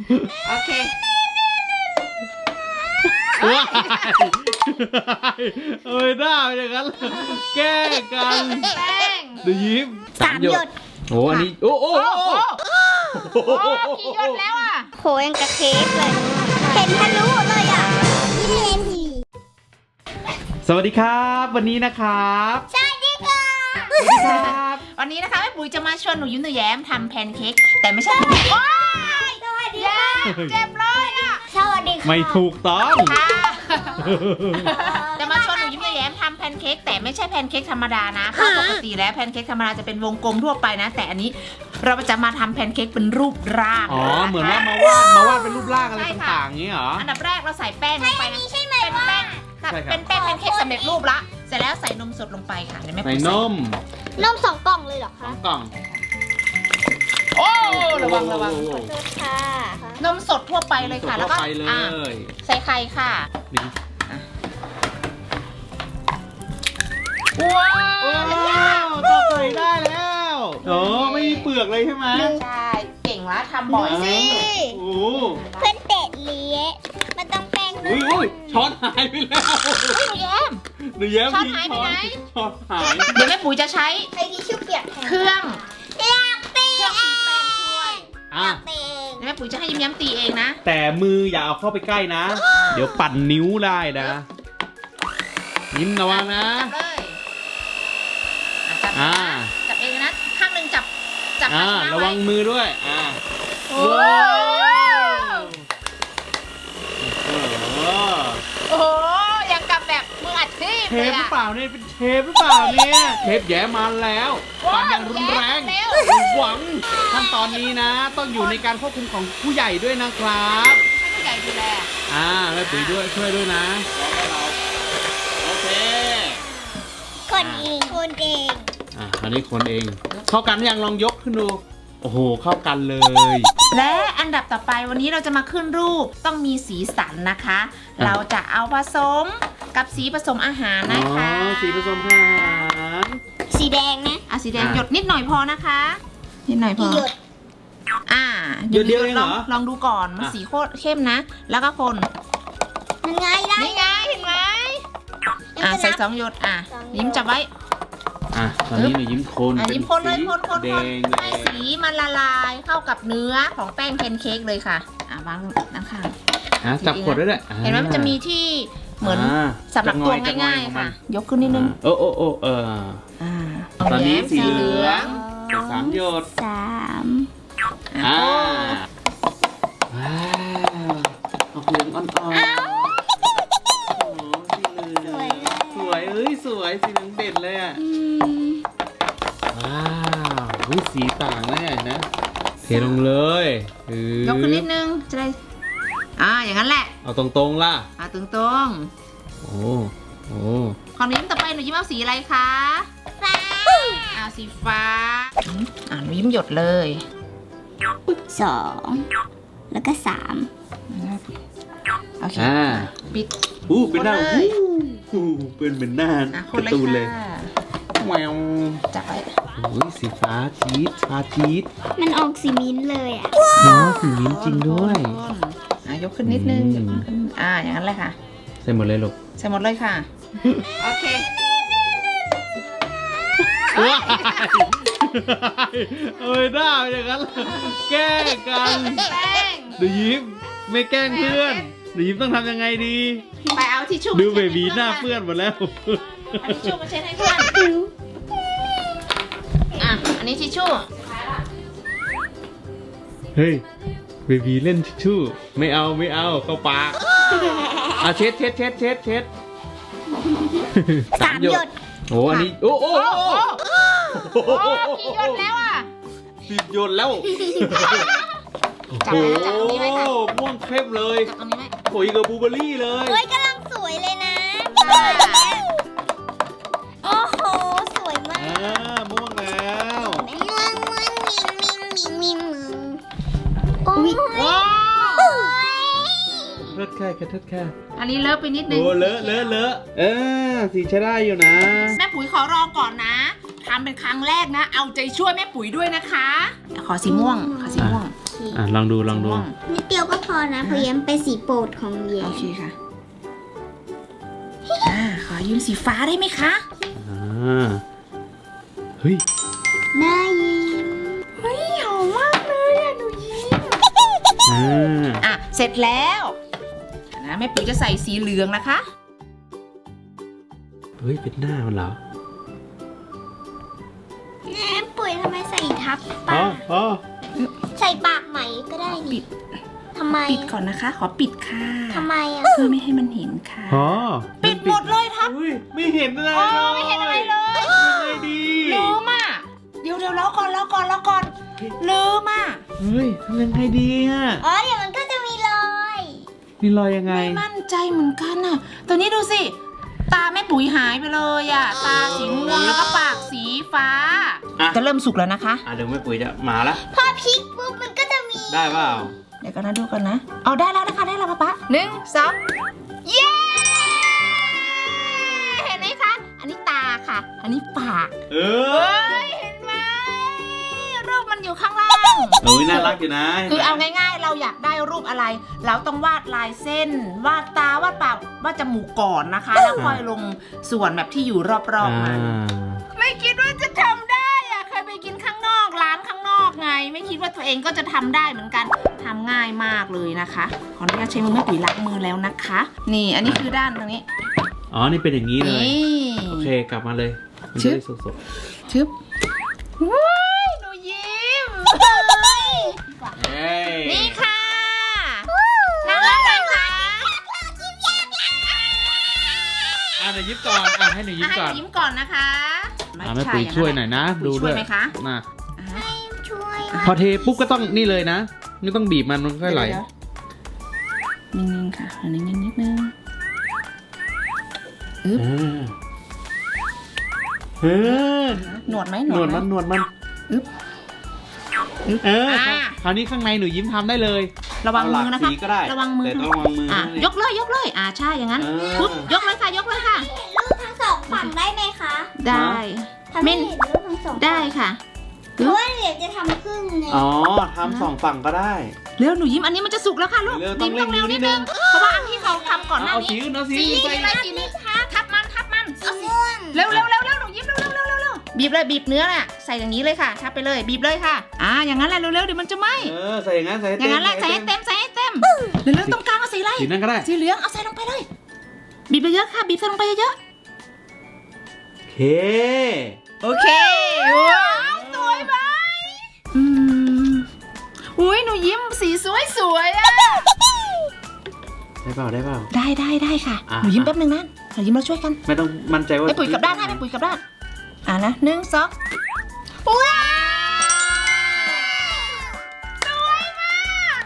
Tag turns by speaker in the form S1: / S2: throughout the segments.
S1: โอเค
S2: ว้ายเอ้ยหน้าเป็นอย่างนั้นแก้กัน
S1: แป้ง
S2: ดูยิ้ม
S3: 3 หยด
S2: โอ้อันนี้โอ้โอ้
S1: โอ้โห
S2: โอ้
S1: โอ้กี่หยดแล้วอ่ะ
S3: โหยังกระเค้กเลย เห็นทะลุเลยอ่ะยี่เลนที
S2: สวัสดีครับ วันนี้นะครับ
S3: สวัสดีค่ะ
S2: สวัสดีครับ
S1: วันนี้นะคะแม่ปุ๋ยจะมาชวนหนูยิ้มหนูแย้มทำแพนเค้กแต่ไม่ใช่แพนเค้กว้าย
S3: สวัสดี
S1: แย้มเจ็บเลยอ่ะ
S3: สวัสดีค่ะ
S2: ไม่ถูกต้อง
S1: ค่ะจะมาชวนหนูยิ้มหนูแย้มทำแพนเค้กแต่ไม่ใช่แพนเค้กธรรมดานะเพราะปกติแล้วแพนเค้กธรรมดาจะเป็นวงกลมทั่วไปนะ แต่อันนี้เราจะมาทำแพนเค้กเป็นรูปร่าง
S2: อ๋อเหมือนว่า
S1: ะ
S2: มาวาดเป็นรูปร่างอะไร
S1: ใช่ค่ะ
S2: ต่างๆอย่างนี้เหรอ
S1: อันดับแรกเราใส่แป้งลงไปนะ
S3: ใช่ไหม
S1: เป็นแป้งค่ะ
S2: ใช่ครับ
S1: เป็นแป้งแพนเค้กสำเร็จรูปละเสร็จแล้วใส่นมสดลงไปค่ะเดี๋ยวแม่
S2: ใส่
S1: ปุ๋ย
S2: นม
S3: นม2 กล่องเลยเหรอ
S2: สอ
S3: คะ
S2: งกล่อง
S1: โอ้ระวังระวัง
S2: โอ้โห
S3: ขอโทษค่ะ
S1: นมสดทั่วไปเลยค่ะ แล้วก็
S2: ทั่ไปเล
S1: อ่ะ
S2: ย
S1: ใส่ไข่ค่ะ
S2: นี่
S1: ว้า
S2: ว้าวตอกไข่ได้แล้วโอ้ไม่มีเปลือกเลยใช่ไหม
S1: ใช่เก่งละทำบ่อย
S3: สิ
S2: โอ้
S3: เพื่อนเตะเลี้ยมันต้องแป้ง
S2: อุ้ยอุ้ยช้อนหายไปแล้ว
S1: เฮ้ยหนูแย้ม
S2: หนูแย้ม
S1: ช้อน
S2: ทิ้ง
S1: หายไปไหน
S2: ช้อนหาย
S1: เดี๋ยวแม่ปุ๋ยจะใช้
S3: ใช้ทิชชู่เปียกแทน
S1: เครื่อง
S3: อยากเตะ
S1: เครื่องตีแป้งช่วย
S2: อ่ะ
S3: เตะ
S1: เดี๋ยวแม่ปุ๋ยจะให้ยิ้มแย้มตีเองนะ
S2: แต่มืออย่าเอาเข้าไปใกล้นะ เดี๋ยวปั่นนิ้วได้นะยิ้มระวังนะ
S1: จับเลยจับ
S2: อ่า
S1: จับเองนะข้างหนึ่งจับภาชนะ
S2: ระ
S1: ไว้
S2: วังมือด้วย
S1: โอ้
S2: โอ้โห
S1: โอ้ยังกับแบบมืออาชีพ
S2: เช
S1: เลย
S2: ฟหรือ
S1: อะ
S2: เปล่าเนี่ยเป็นเชฟหรือเปล่าเนี่ยเชฟแย้มาแล้วปั่นอย่างรุนแรง
S1: เร็ว
S2: หวังขั้นตอนนี้นะ ต้องอยู่ในการควบคุมของผู้ใหญ่ด้วยนะครับ
S1: ให้ผู้ใหญ่ดูแล
S2: แม่ปุ๋ยด้วยช่วยด้วยนะโอเค
S3: คนเองคนเอง
S2: อันนี้คนเองเข้ากันยังลองยกขึ้นดูโอ้โหเข้ากันเลย
S1: และอันดับต่อไปวันนี้เราจะมาขึ้นรูปต้องมีสีสันนะคะ เราจะเอาผสมกับสีผสมอาหารนะคะ
S2: สีผสมอาหาร
S3: สีแดงนะ
S1: สีแดงหยดนิดหน่อยพอนะคะนิดหน่อยพอ
S3: หยด
S2: หยดเดียวเองเหรอ
S1: ลองดูก่อนมันสีโคตรเข้มนะ แล้วก็คน
S3: มันง่ายได้
S1: นี่ไงเห็นไหมใส่2 หยด
S3: 2
S1: ยิ้มจับไว้
S2: ตอนนี้หนูยิ้มคน
S1: ยิ้มคนเลยคน
S2: แดง
S1: ให้สีมันละลายเข้ากับเนื้อของแป้งแพนเค้กเลยค่ะวางด้านข้าง
S2: จับขวดด้วยแหละ
S1: เห็นไหมมันจะมีที่เหมือนสำหรับตัวง่ายๆค่ะ ยกขึ้นนิดนึง
S2: โอ้ตอนนี้สีเหลือง 3 หยด
S3: 3
S2: ว้าวออกเหลืองอ่อนๆโอ้สีเหลืองสวยสวยสีเหลืองเด่นเลยอ่ะว้าวสีต่างเลยนะเทลงเลย
S1: ยกขึ้นนิดนึงจะได้อย่างนั้นแหละ
S2: เอาตรงๆล่ะ
S1: ตรง
S2: โอ้
S1: ๆของนิ้มต่อไปหนูยิ้มเอาสีอะไรคะ
S3: ฟ้า
S1: สีฟ้าหนูยิ้มหยดเลย
S3: 2 แล้วก็
S1: โอเคปิด
S2: เป็นหน้า
S1: คนเลย
S2: เป็นเหมือนหน้า
S1: คน
S2: การ์
S1: เลย
S2: ตูนเลย
S1: ค่ะ
S2: แมว
S1: จับไว้
S2: สีฟ้าชีสชาชีส
S3: 3 มันออกสีมิ้นท์เลยอ่ะ
S2: เนาะสีมิ้นท์จริงด้วย
S1: ยกขึ้นนิดนึงยกขึ้นอย่างนั้นเลยค่ะ
S2: ใส่หมดเลยลูก
S1: ใส่หมดเลยค่ะ โอเค
S2: ว้ายเอ้ยหน้าเป็นอย่างนั้นแกล้งกัน
S1: แป้ง
S2: หนูยิ้มไม่แกล้งเพื่อนหนูยิ้มต้องทำยังไงดี
S1: ไปเอาทิชชู่
S2: ดูเบบีหน้าเปื้อนหมดแล้ว
S1: เอาทิชชู่มาเช็ดให้เพื่อนอันนี้ทิชชู่
S2: เฮ้ยเบบีเล่นทิชชู่ไม่เอาเข้าปากเช็ด
S3: 3 หยด
S2: โอ้อันนี้โอ้
S1: กี่หยดแล้ว
S2: 10 หยดแล้ว
S1: จับตรงนี้ไว้ค่ะ
S2: ม่วงเข้มเลย
S1: จับตรงนี้ไว้
S2: โอ้ยกับบลูเบอร์รี่เลย
S3: เฮ้ยกำลังสวยเลยนะ โอ้โห สวยมาก
S2: ม่วงแล้ว
S3: ม่วงมิงโอ้ย
S1: ว้าว
S2: เทิดแค่
S1: อันนี้เลอะไปนิดนึง
S2: โอ้เลอะสีใช้ได้อยู่นะ
S1: แม่ปุ๋ยขอรองก่อนนะทำเป็นครั้งแรกนะ เอาใจช่วยแม่ปุ๋ยด้วยนะคะ ขอสีม่วง
S3: โอเค
S2: ลองดูลองดู
S1: ม่วง
S3: นิดเดียวก็พอนะเพราะแย้มเป็นสีโปรดของแย้
S1: โอ
S3: ม
S1: เคค่ะขอยืมสีฟ้าได้ไหมคะ
S2: เฮ้ย
S3: ได้ยิน
S1: เฮ้ยหอมมากเลยอ่ะหนูยิ้มเสร็จแล้วนะแม่ปุ๋ยจะใส่สีเหลืองนะคะ
S2: เฮ้ยเป็นหน้ามันเหรอ
S3: แย้มปุ๋ยทำไมใส่ทับ
S2: อ๋อ
S3: ปาก
S2: อ๋อ
S3: ใส่ปากไหมก็ได้
S1: ปิ
S3: นี่
S1: ด
S3: ทำไม
S1: ปิดก่อนนะคะ ขอปิดค่ะ
S3: ทำไมอ่ะ
S1: เพื่อไม่ให้มันเห็นค่ะ
S2: อ๋อ
S1: ปิดหมดเลยทับ
S2: อุ้ยไม่เห็นอะไร
S1: อ๋อ
S2: เลย
S1: ไม่เห็นอะไรเลย
S2: ยังไงดี
S1: ลืมอ่ะเดี๋ยวล้อก่อนลืมอ่ะ
S2: เฮ้ยทำยังไงดีอ่ะ
S3: อ๋อเดี๋ยวมันก็จะมีรอย
S2: มีรอยยังไง
S1: ไม่มั่นใจเหมือนกันอ่ะตัวนี้ดูสิตาแม่ปุ๋ยหายไปเลยอ่ะตาสีม่วงแล้วก็ปากสีฟ้า จะเริ่มสุกแล้วนะคะ
S2: เดี๋ยวแม่ปุ๋ยจะมาละ
S3: พอพลิกปุ๊บมันก็จะมี
S2: ได้เปล่า
S1: เดี๋ยวกันนะดูกันนะเอาได้แล้วนะคะได้แล้วป๊า1 2เย้เห็นไหมคะอันนี้ตาค่ะ อันนี้ปาก
S2: เอ
S1: เฮ้ยเห็นไหมรูปมันอยู่ข้างล่าง
S2: โอ้ยน่ารักอยู่นะ
S1: คือเอาง่ายๆ เราอยากได้รูปอะไร เราต้องวาดลายเส้น วาดตาวาดปากวาดจมูกก่อนนะคะ แล้วค่อยลงส่วนแบบที่อยู่รอบๆมันไม่คิดว่าจะทำได้อะเคยไปกินข้างนอกร้านข้างนอกไง ไม่คิดว่าตัวเองก็จะทำได้เหมือนกันทำง่ายมากเลยนะคะขออนุญาตใช้มือแม่ปุ๋ยล้างมือแล้วนะคะ นี่อันนี้คือด้านตรงนี้
S2: อ๋อ นี่เป็นอย่างนี้เลย
S1: นี่
S2: โอเค กลับมาเลย มัน
S1: ชึ
S2: จะ
S1: บ
S2: ได้สด
S1: ชึบว้ายหนูยิ้มเฮ้ย
S2: ๆเฮ้ย
S1: นี่ค่ะน่ารักไหมคะ
S2: หนูยิ้มก่อนให้หนูยิ้ม
S1: ให้
S2: ก่อน
S1: ยิ้มก่อนนะคะ
S2: แม่ปุ๋ยช่วยหน่อยนะ ดู
S1: ช่
S2: ด้
S1: ว
S2: วย ย
S1: ไหมคะ
S2: นะ
S3: ช่วย
S2: พอเทปุ๊บก็ต้องนี่เลยนะ ไม่ต้องบีบมันค่อยไหล
S1: นิ่งๆค่ะนิ่งๆนิดนึง
S2: เออ
S1: หนวดไหม
S2: หนวดมัน
S1: อึ๊บ
S2: คราวนี้ข้างในหนูยิ้มทำได้เลย
S1: ระวังมือนะคะ
S2: เอาหลากสีก็ได้
S1: ระวังมือ
S2: แต่ต้องระวังมือนะ
S1: ยกเลยใช่อย่างนั้น
S2: เออ
S1: ปุ๊บยกเลยค่ะ
S3: เห็นรูปทั้งสองฝั่งได้ไหมคะ
S1: ได้
S3: ทำให้เห็นรูปทั้งสองฝั่ง
S1: ได้ค่ะ
S3: เพราะว่าเดี๋ยวจะทำครึ่งไง
S2: อ๋อทำสองฝั่งก็ได้
S1: เร็วหนูยิ้มอันนี้มันจะสุกแล้วค่ะลูก
S2: เร็วต้อง
S1: ยิ้ม
S2: เร่ง
S1: เร็ว
S2: นิ
S1: นิ
S2: ด
S1: ด
S2: นึ
S1: นึ
S2: ง
S1: งเพราะว่าอันที่เขาทำก่อนหน้า
S2: เอา
S1: นี้
S2: สีอื่นเอาสี
S1: สี
S2: อื่น
S1: สีอะไร
S2: ใส่
S1: สีนี้ทับมัน
S3: สีม่วง
S1: เร็วหนูยิ้มเร็วบีบเลยบีบเนื้อน่ะใส่อย่างนี้เลยค่ะทับไปเลยบีบเลยค่ะอย่างนั้นแหละเร็วเดี๋ยวมันจะไหม้
S2: ใส่อย่างนั้นใส่
S1: อย่างนั้นแหละใส่ให้เต็มเร็วตรงกลางเอาสีอะไร
S2: สีนั่นก็ได้
S1: สีเหลืองเอาใส่ลงไปเลยบีบไปเยอะค่ะบีบใส่ลงไปเยอะ
S2: โอเค
S1: โอเคว้าวสวยไหมอุ้ยหนูยิ้มสีสวยอ่ะ
S2: ได้เปล่าได้
S1: ค่ะ
S2: อ่ะ
S1: หนูยิ้มแป๊บนึงนะหนูยิ้มเราช่วยกัน
S2: ไม่ต้องมั่นใจว่า
S1: ไปปุ๋ยกับด้านให้ไปปุ๋ยกับด้านนะ1 2ว้าวสวยมาก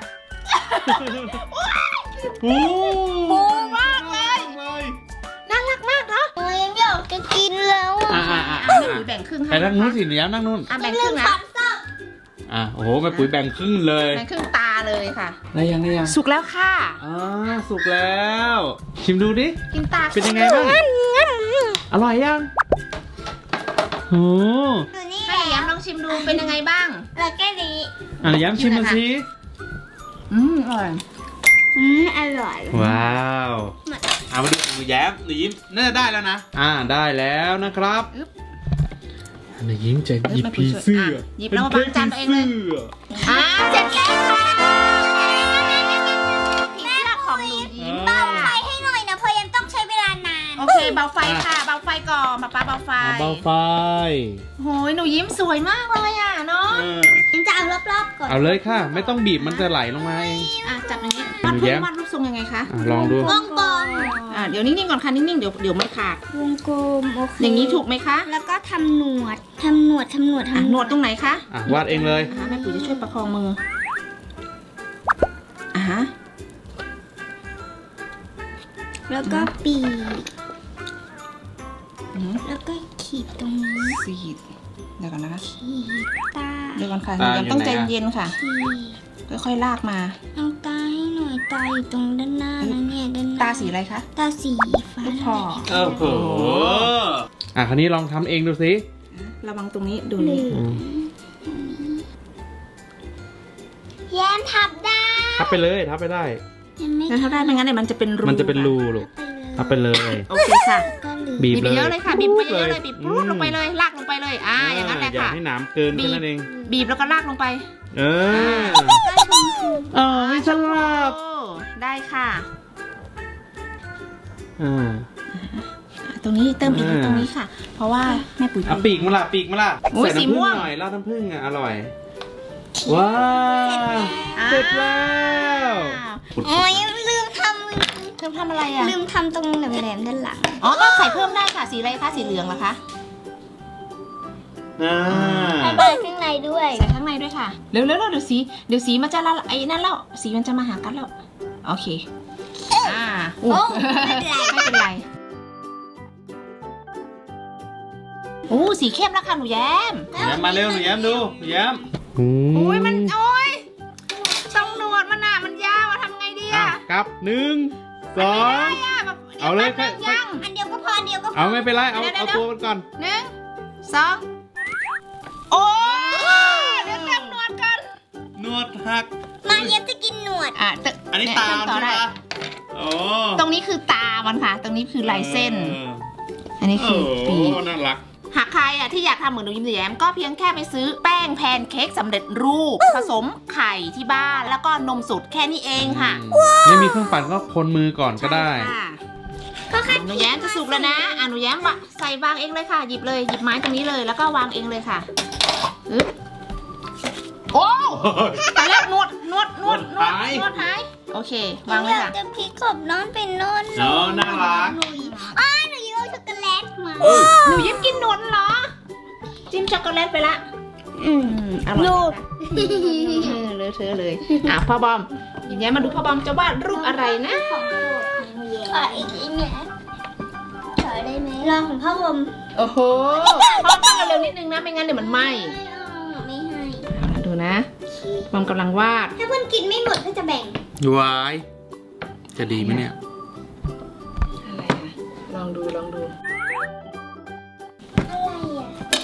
S2: โอ้
S1: ปูมากเลยน่ารักมากเนาะ
S3: โอ้ยยังอยากจะกินแล้วอ่ะ
S1: แม่ปุ๋ยแบ่งครึ่งให้
S2: ไปนั่งนู้นสิหนูย้ำนั่งนู้น
S1: แบ่งค
S3: เรื่
S1: รึ่
S3: อง
S1: งนะ
S3: ความชอบ
S2: โอ้โหแม่ปุ๋ยแบ่งครึ่งเลย
S1: แบ่งครึ่งตาเลยค่ะ
S2: ได้ยัง
S1: สุกแล้วค่ะ
S2: สุกแล้ว ชิมดูดิ
S1: กินตา
S2: เป็นยังไงบ้าง อร่อยยังโอ้
S3: ดูนี่
S1: ให้แย้มลองชิมดูเป็นยังไงบ้าง
S3: แล้วก็นี้
S2: ย้ำชิมมาสิ
S1: อร่อย
S3: อร่อย
S2: ว้าวเอามาดูหนูแย้มหนูยิ้มน่าจะได้แล้วนะ ได้แล้วนะครับหนูยิ้มจะหยิบผีเสื้อ
S1: หยิบแล้วมาบังจานตัวเองเลย เสร็จแล้วผีเสื้อของหนูยิ้ม
S3: เบาไฟให้หน่อยนะเพราะยังต้องใช้เวลานาน
S1: โอเคเบาไฟค่ะเบาไฟก่อนป๊าเบาไฟ
S2: เบาไฟ
S1: โหยหนูยิ้มสวยมากเลยอ่ะเนาะ
S3: ยังจะเอารอบๆก่อน
S2: เอาเลยค่ะ ไม่ต้องบีบมันจะไหลลงมาเอง
S1: จับอย่างนี้
S2: หนูแย้ม
S1: วาดรูปทรงยังไงคะ
S2: ลองดู
S3: วงกลม
S1: เดี๋ยวนิ่งๆก่อนค่ะนิ่งๆเดี๋ยวมันขาด
S3: วงกลมโอเค
S1: อย่างนี้ถูกไหมคะ
S3: แล้วก็ทำหนวดหนวด
S1: หนวดตรงไหนคะ
S2: วาดเองเลย
S1: แม่ปุ๋ยจะช่วยประคองมือฮะ
S3: แล้วก็ปีกแล้วก็ขีดตรงนี้
S1: สีดเดี๋ยวก่อนนะคะ
S3: ขีดตา
S1: เดี๋ยวก่อนค่ะ
S2: ตา
S1: ยังต้อง
S2: อยู่
S1: ใจ
S2: ไหนอะ
S1: เย็นค่ะ
S3: ขีด
S1: ค่อยๆลากมา
S3: เอาตาให้หน่อยตาอยู่ตรงด้านหน้านะเนี่ยด้านหน้า
S1: ตาสีอะไรคะ
S3: ตาสีฟ้า
S1: ลูกคอ
S2: โอ้โหคราวนี้ลองทำเองดูสิ
S1: ระวังตรงนี้ดู
S3: เหลื
S1: นี่
S3: องแย้ม
S2: ไปเลยทับไปได้
S3: ยังไม่
S1: งั้นถ้าได้ไม่งั้นเนี่ยมันจะเป็นรู
S2: มันจะเป็นรูลูกทับไปเลย
S1: โอเคค่ะ
S3: ก็ลืม
S2: บีบ
S1: บีบ
S2: เลย
S1: เยอะเลยค่ะบีบไปเยอะเลยบีบปรุดลงไปเลยลากลงไปเลยอย่างนั้นแหละ
S2: อย่า
S1: ค่ะ
S2: ให้หนามเกินแค่นั้นเอง
S1: บีบแล้วก็ลากลงไป
S2: เออไม่ฉลาด
S1: โอ้ได้ค่ะ
S2: อ่า
S1: ตรงนี้เติมอีกตรงนี้ค่ะ เพราะว่าแม่ปุ๋ย
S2: เอาปีกมาละปีกมาละ
S1: โอ้ย
S2: ใส่
S1: สี
S2: น้ำผึ้
S1: ม่
S2: ง
S1: วง
S2: หน่อยราดน้ำผึ้งอ่ะอร่อยว้าวเสร็จแล้ว
S3: โอ้ยลืมท
S1: เธอทำอะไรอ่ะ
S3: ำลืมทำตรงแหลมๆด้านหลัง
S1: อ๋อก็ใส่เพิ่มได้ค่ะสีอะไรคะสีเหลืองเหรอคะ
S2: อ่า
S3: ใส่ข้างในด้วย
S1: ใส่ข้างในด้วยค่ะเร็วๆเดี๋ยวสีมันจะละไอ้นั่นแล้วสีมันจะมาหากันแล้วโอเคโอ้
S3: ไม่เป็นไร
S1: ไม่เป็นไรโอ้สีเข้มแล้วค่ะหนูแย้ม
S2: หนูแย้มมาเร็วหนูแย้มดูหนูแย้ม
S1: โอ้ยมันต้องหนวดมันอ่ะมันยาวอะทำไงดี
S2: อ่ะ
S1: อ่ะ
S2: ครับ1 2
S1: ไม่ได้อะแบบ
S2: เอาเลย
S1: แป๊บนึงยัง
S3: อันเดียวก็พออันเดียวก็พอ
S2: เอาไม่เป็นไรเอา
S1: เดี๋ยว
S2: เอาตัวมันก่อน
S1: 1 2โอ้เดี๋ยวเต็มหนวดกัน
S2: นวดหัก
S3: มาเย็บจะกินหนวด
S2: อันนี้
S1: เย
S2: ตาม
S1: ต่อ
S2: ใช่
S1: ได้
S2: ไหมโอ้
S1: ตรงนี้คือตามันค่ะ ตรงนี้คือลายเส้น อันนี้
S2: โอ้
S1: คือปีก
S2: น่ารัก
S1: หากใครอ่ะที่อยากทำเหมือนหนูยิ้มแย้มก็เพียงแค่ไปซื้อแป้งแพนเค้กสำเร็จรูป ผสมไข่ที่บ้านแล้วก็นมสดแค่นี้เองค่ะ
S2: ไม่มีเครื่องปั่นก็คนมือก่อนก็ได้
S1: ใช่ค่ะ
S3: ก็แค่
S1: หนูแย้มจะสุกแล้วนะหนูแย้มใส่วางเองเลยค่ะ หยิบเลยหยิบไม้ตรงนี้เลยแล้วก็วางเองเลยค่ะอึ๊บโอ้แต่แล้วนวดหายโอเค วางเลย
S3: อยาก
S1: ค่ะ
S3: จะพลิกกบน้องเป็นนอน
S2: เนาะน่ารัก
S3: หนูยิ้มหนูยิ้มเอาช็อกโกแลตมา
S1: หนูยิ้มกินนวดเหรอ จิ้มช็อกโกแลตไปละอร่อยนะคะเลอะเทอะเลยพ่อบอมยิ้มแย้มมาดูพ่อบอมจะวาดรูปอะไรนะ
S3: ของโปรดของหนูยิ้มขออีกนิดนะขอได้ไหมรอของพ่อวม
S1: โอ้โหพ่อตั้งเร็วๆนิดนึงนะไม่งั้นเดี๋ยวมันไหม้
S3: ไม่ให้
S1: ดูนะบอมกำลังวาด
S3: ถ้าเพื่อนกินไม่หมดก็จะแบ่ง
S2: วายจะดีไหมเนี่ย
S1: อะไรอะลองดู
S3: อะไรอ่ะ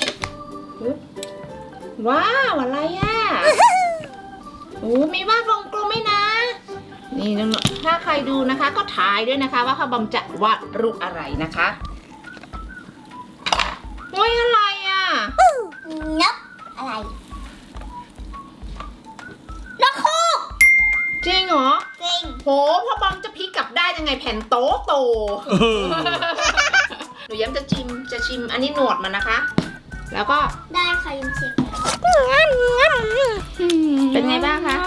S1: ว้าวอะไรอะโอ้มีวาดวงกลมไหมนะ นี่ถ้าใครดูนะคะ ก็ถ่ายด้วยนะคะว่าพ่อบอมจะวาดรูปอะไรนะคะโอ้ยอะไรอะ
S3: นับอะไรนกฮูก
S1: จริงเหรอ
S3: จริง
S1: โหพ่อบอมจะพลิกกลับได้ยังไงแผ่นโตหนูย้ำจะชิมอันนี้หนวดมันนะคะ แล้วก็
S3: ได้ค่ะยิมเช็ค
S1: เป็นไงบ้างคะ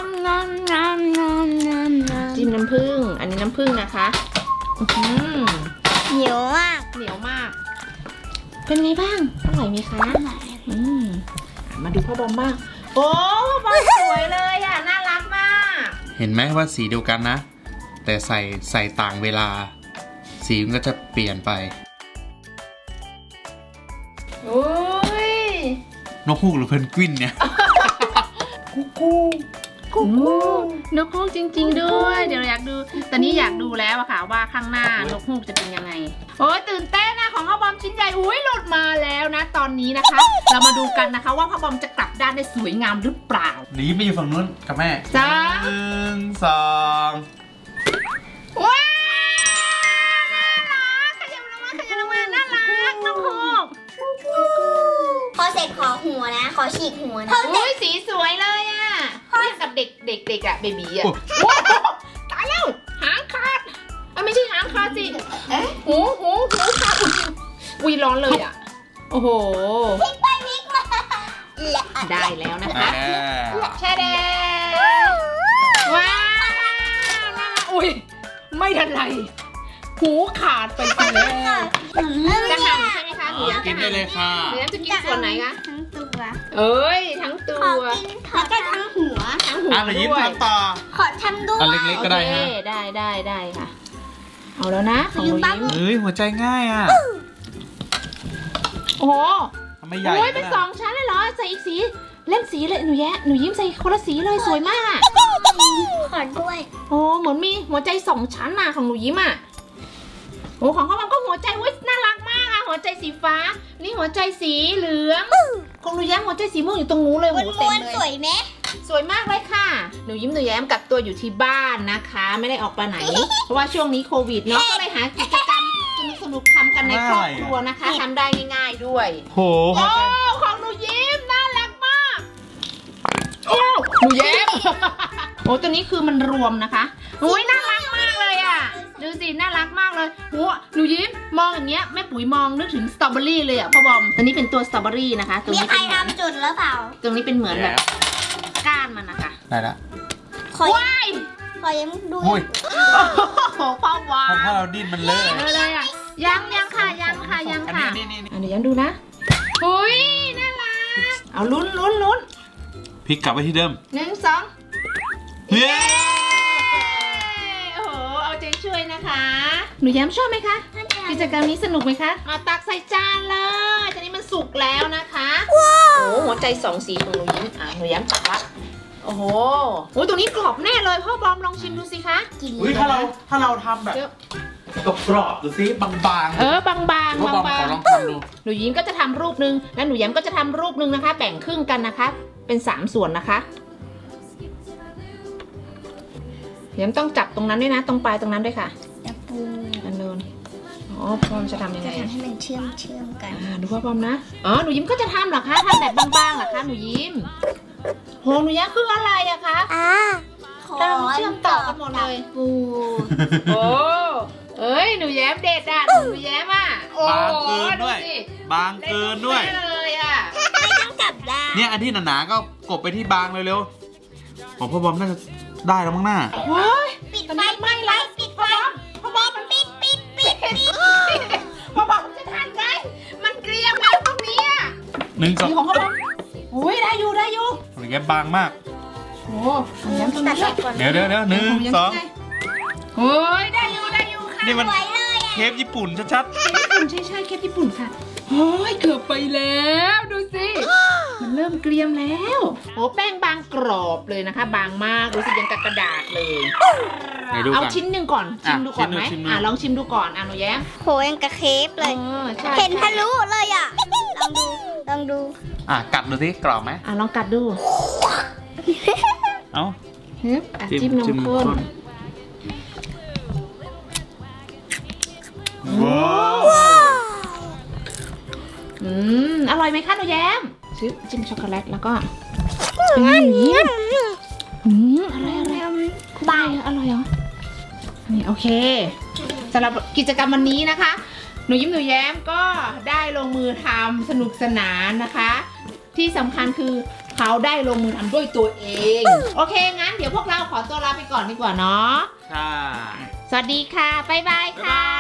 S1: จิ้มน้ำผึ้งอันนี้น้ำผึ้งนะคะอื้อหือ
S3: เหนียวมาก
S1: เหนียวมาก เป็นไงบ้างอร่อยไหมคะมาดูพ่อบอมบ้างโอ้พ่อบอมสวยเลยอ่ะน่ารักมาก
S2: เห็นไหมว่าสีเดียวกันนะ แต่ใส่ต่างเวลา สีมันก็จะเปลี่ยนไป
S1: โอ้ย
S2: นกฮูกหรือเพนกวินเนี่ย
S1: นกฮูกจริงๆด้วย เดี๋ยวอยากดูตอนนี้อยากดูแล้วอะค่ะว่าข้างหน้านกฮูกจะเป็นยังไงโอ้ยตื่นเต้นนะของพ่อบอมชิ้นใหญ่อุ้ยหลุดมาแล้วนะ ตอนนี้นะคะ เรามาดูกันนะคะว่าพ่อบอมจะกลับด้านได้สวยงามหรือเปล่า
S2: หนีไปอยู่ฝั่งนู้นกับแม่
S1: จ้า
S2: 1 2
S1: ว้าวน่ารักขยับลงมาน่ารักนกฮูก
S3: พอเสร็จขอหัวนะ ขอฉีกหัวนะ
S1: อุ้ยสีสวยเลยอะเรียกกับเด็กอะเบบีอะตายแล้วหางขาดไม่ใช่หางขาดสิหูขาดอุ้ยร้อนเลยอะโอ้โห
S3: พลิกไปพลิกมาและ
S1: ได้แล้วนะคะแช่แดงว้าวน่ารักอุ้ยไม่ทันไรหูขาดไปแล้วจะหั่นใช่ไหมคะหนูยัง
S2: กินได้เลยค่ะ
S1: หนูยังจะกินส่วนไหนคะ
S3: ทั้งตัว
S1: เอ้ยทั้งตั
S3: ขอ
S1: ว
S3: กินแล้วก็ทั้งหัว
S1: ทั้งหู
S2: หนูยิ้ม
S1: ด้วย
S2: ทำต่อ
S3: ขอทำด้วย
S2: อันเล็กๆ ก็ได้ฮะ
S1: โอเคได้ค่ะ เอาแล้วนะของหนูยิ้ม
S2: เฮ้ยหัวใจง่ายอ่ะ
S1: โอ้โห
S2: ทำไมใหญ่
S1: โอ้ยเป็นสองชั้นเลยเหรอใส่อีกสีเล่นสีเลยหนูยิ้มใส่คนละสีเลยสวยมาก
S3: ขอด้วย
S1: โอ้เหมือนมีหัวใจสองชั้นน่ะของหนูยิ้มอ่ะโอ้ของพ่อบอมก็หัวใจเว้ยน่ารักมากอ่ะหัวใจสีฟ้านี่หัวใจสีเหลืองของหนูแย้มหัวใจสีม่วงอยู่ตรงนู้นเลย
S3: ม
S1: โห
S3: วน
S1: เต็
S3: ม
S1: ม
S3: วน
S1: เล
S3: สวย ยไหม
S1: สวยมากเลยค่ะ หนูยิ้มหนูแย้มกักตัวอยู่ที่บ้านนะคะ ไม่ได้ออกไปไหน เพราะว่าช่วงนี้โควิดเนาะ ก็เลยหากิจกรรมสนุกๆทำกันในครอบครัวนะคะทำได้ง่ายๆด้วย
S2: โห
S1: โอ้ของหนูยิ้มน่ารักมาก โอ้หนูยิ้ม โอ้ตัวนี้คือมันรวมนะคะโอ้ยน่ารักมากเลยอ่ะ ดูสิน่ารักมากเลยโอ้หนูยิ้มมองอย่างเงี้ยแม่ปุ๋ยมองนึกถึงสตรอเบอรี่เลยอ่ะพ่อบอมตัวนี้เป็นตัวสตรอเบอรี่นะคะตัว
S3: มี
S1: นี้
S3: ใคร
S1: เป็นเหมือน
S3: ทำจุดหรือเปล่า
S1: ตรงนี้เป็นเหมือนแบบก้านมันนะคะ
S2: ได้ละ
S3: ขอ
S1: ว้าย
S3: ขอยังดู
S2: โอ้ย
S1: โอ้โหพ่อวา
S2: เพราะเราดิ้นมันเลอะ
S1: เลยอ่ะยังค่ะยังค่ะยังค่ะ
S2: อันนี้
S1: เดี๋ยวยังดูนะอุ้ยน่ารักเอาลุ้น
S2: พลิกกลับไปที่เดิม
S1: 1 2
S2: เย้
S1: โอ้โห เอาใจช่วยนะคะ หนูแย้มชอบไหมคะ กิจกรรมนี้สนุกไหมคะมาตักใส่จานเลยตอนนี้มันสุกแล้วนะคะ โอ้โหหัวใจ2 สีของหนูยิ้มหนูแย้มตักละโอ้โหโอ้ยตรงนี้กรอบแน่เลยพ่อบอมลองชิมดูสิคะ
S2: อุ้ยถ้าเราทำแบบกรอบๆดูสิบางๆ
S1: บางๆ
S2: พ่อบอมขอลองทำดู
S1: หนูยิ้มก็จะทำรูปหนึ่งและหนูแย้มก็จะทำรูปหนึ่งนะคะ แบ่งครึ่งกันนะคะ เป็น3 ส่วนนะคะแย้มต้องจับตรงนั้นด้วยนะ ตรงปลายตรงนั้นด้วยค่ะ
S3: ตะปู
S1: อันนู้นอ๋อพร้อมจะทำยังไง
S3: จะทำให้มันเชื่อมกัน
S1: ดูพ่อพร้อมนะอ๋อหนูยิ้มก็จะทำเหรอคะทำแบบบางๆเหรอคะหนูยิ้มโหหนูแย้มคืออะไรอะคะ เราเชื่อมต่อกันหมดเลย
S3: ปู
S1: โอ้เอ้ยหนูแย้มเด็ดอ่ะหนูแย้มอ่ะโอ้
S2: บางเกินด้วย
S1: สิ
S2: บางเกินด้วย
S1: เล่เลยอ่ะ
S3: ไม่ต้องกลับด้าน
S2: เนี่ยอันที่หนาๆก็กบไปที่บางเร็วๆของพ่อบอมน่าจะได้แล้วมั้งหน้า
S1: ว้าย
S3: ปิด
S1: ตอน
S3: ไฟ
S1: นี้ไม่แล้ว
S3: ปิดไฟ
S1: พ่อบอมมัน
S3: ปิดปิด
S1: พ่อบอมมันจะทันไหมมันเกรียมแล้วตรงนี้อ่ะ
S2: 1 2
S1: นี่ของพ่อบอมอุ้ยได้อยู่
S2: หรือแกบางมาก
S1: โอ้ของแย้มตรง
S3: ตัด
S1: นี้
S3: ออกก่อน
S2: เดี๋ยว1 2
S1: โอ้ยได้อยู่ค่ะ
S2: นี่มัน
S3: สวยเลยอ่ะ
S2: เคปญี่ปุ่นชัด
S1: ญี่ปุ่นใช่เคปญี่ปุ่นค่ะโอ้ยเกือบไปแล้วดูสิ มันเริ่มเกรียมแล้วโอ้แป้งบางกรอบเลยนะคะ บางมากรู้สึกยังกับกระดาษเลย
S2: ๆไหนดู
S1: เอา
S2: กัน
S1: ชิ้นหนึ่งก่อนชิมดูก่อนไหม
S2: ชิมดู
S1: ลองชิมดูก่อนหนูแย้ม
S3: โหยังกับเคฟเลย
S1: ใช่
S3: เห็นทะลุเลยอ่ะ ลองดู
S2: กัดดูสิกรอบไหม
S1: ลองกัดดู
S2: เอ้า
S1: ฮึบจิ้มนมข้น
S2: ว้าว
S1: อร่อยไหมคะหนูแย้มจิ้มช็อกโกแลตแล้วก็อะไรบางอร่อยเหรอนี่โอเคสำหรับกิจกรรมวันนี้นะคะ หนูยิ้มหนูแย้มก็ได้ลงมือทำสนุกสนานนะคะ ที่สำคัญคือเขาได้ลงมือทำด้วยตัวเอง โอเคงั้นเดี๋ยวพวกเราขอตัวลาไปก่อนดีกว่าเนาะ
S2: ใช่
S1: สวัสดีค่ะบ๊ายบายค่ะ